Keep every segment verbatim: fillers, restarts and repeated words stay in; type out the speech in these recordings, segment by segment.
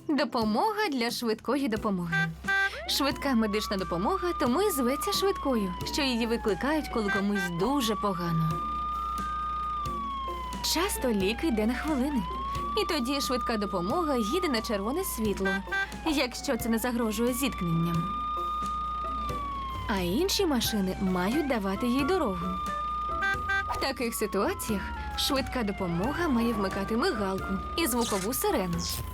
Допомога для швидкої допомоги. Швидка медична допомога тому і зветься швидкою, що її викликають, коли комусь дуже погано. Часто лік йде на хвилини. І тоді швидка допомога їде на червоне світло, якщо це не загрожує зіткненням. А інші машини мають давати їй дорогу. В таких ситуаціях швидка допомога має вмикати мигалку і звукову сирену.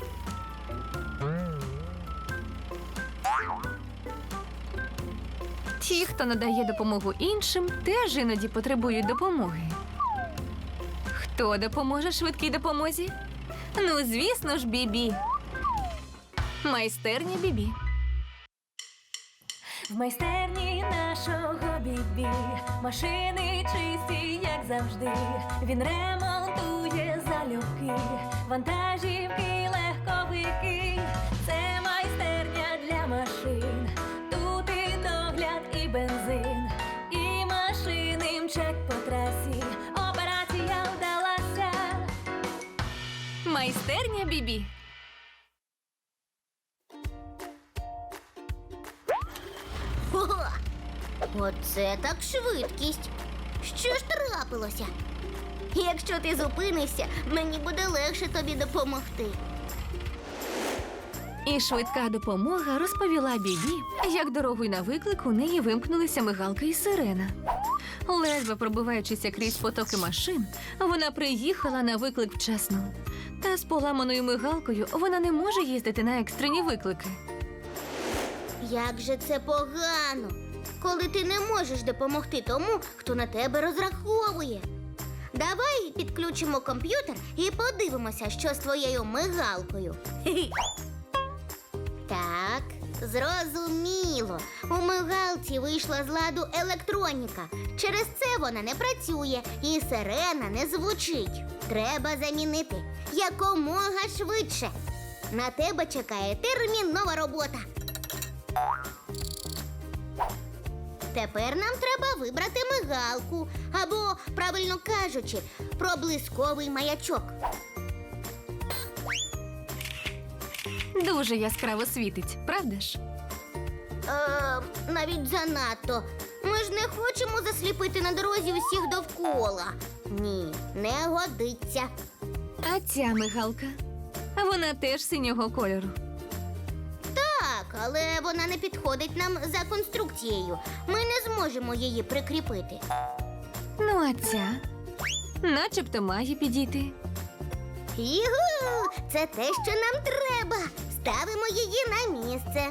Ті, хто надає допомогу іншим, теж іноді потребують допомоги. Хто допоможе швидкій допомозі? Ну, звісно ж, Бібі. Майстерня Бібі. В майстерні нашого Бібі машини чисті, як завжди. Він ремонтує залюбки, вантажівки, легковики. Це майстерня для машин. Тут і догляд, і бензин, і машини мчать по трасі. Операція вдалася. Майстерня Бібі. Ого! Оце так швидкість. Що ж трапилося? Якщо ти зупинишся, мені буде легше тобі допомогти. І швидка допомога розповіла Бібі, як дорогою на виклик у неї вимкнулися мигалка і сирена. Ледве пробиваючися крізь потоки машин, вона приїхала на виклик вчасно. Та з поламаною мигалкою вона не може їздити на екстрені виклики. Як же це погано, коли ти не можеш допомогти тому, хто на тебе розраховує. Давай підключимо комп'ютер і подивимося, що з твоєю мигалкою. Хе-хе. Так, зрозуміло. У мигалці вийшла з ладу електроніка. Через це вона не працює і сирена не звучить. Треба замінити якомога швидше. На тебе чекає термінова робота. Тепер нам треба вибрати мигалку, або, правильно кажучи, проблисковий маячок. Дуже яскраво світить, правда ж? Е, навіть занадто. Ми ж не хочемо засліпити на дорозі усіх довкола. Ні, не годиться. А ця мигалка? Вона теж синього кольору. Так, але вона не підходить нам за конструкцією. Ми не зможемо її прикріпити. Ну, а ця? Начебто має підійти. Югу! Це те, що нам треба. Ставимо її на місце.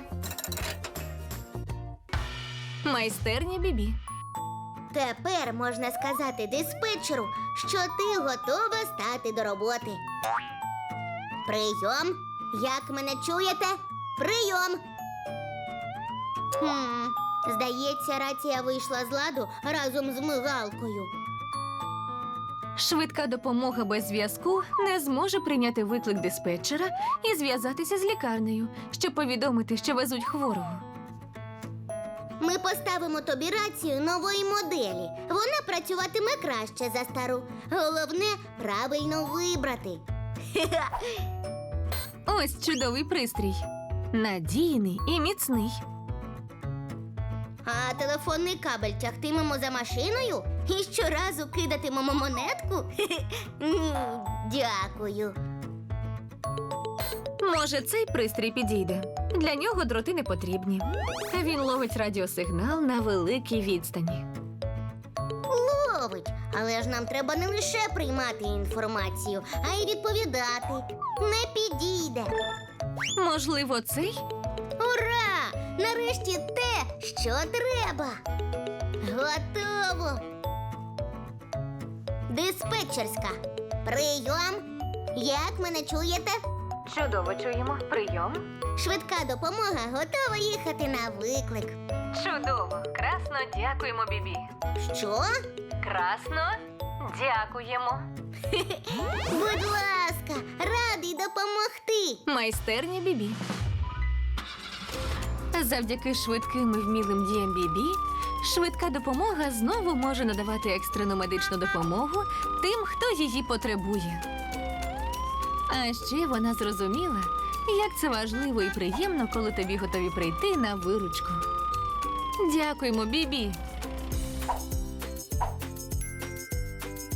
Майстерня Бібі. Тепер можна сказати диспетчеру, що ти готова стати до роботи. Прийом. Як мене чуєте? Прийом. Хм, здається, рація вийшла з ладу разом з мигалкою. Швидка допомога без зв'язку не зможе прийняти виклик диспетчера і зв'язатися з лікарнею, щоб повідомити, що везуть хворого. Ми поставимо тобі рацію нової моделі. Вона працюватиме краще за стару. Головне – правильно вибрати. Ось чудовий пристрій. Надійний і міцний. А телефонний кабель тягтимемо за машиною і щоразу кидатимемо монетку? Ні, дякую. Може, цей пристрій підійде. Для нього дроти не потрібні. Він ловить радіосигнал на великій відстані. Ловить, але ж нам треба не лише приймати інформацію, а й відповідати. Не підійде. Можливо, цей? Ура! Нарешті те, що треба. Готово. Диспетчерська. Прийом. Як мене чуєте? Чудово чуємо. Прийом. Швидка допомога готова їхати на виклик. Чудово. Красно дякуємо, Бібі. Що? Красно дякуємо. Будь ласка, радий допомогти. Майстерня Бібі. Завдяки швидким і вмілим діям Бібі, швидка допомога знову може надавати екстрену медичну допомогу тим, хто її потребує. А ще вона зрозуміла, Як це важливо і приємно, коли тобі готові прийти на виручку. Дякуємо, Бібі.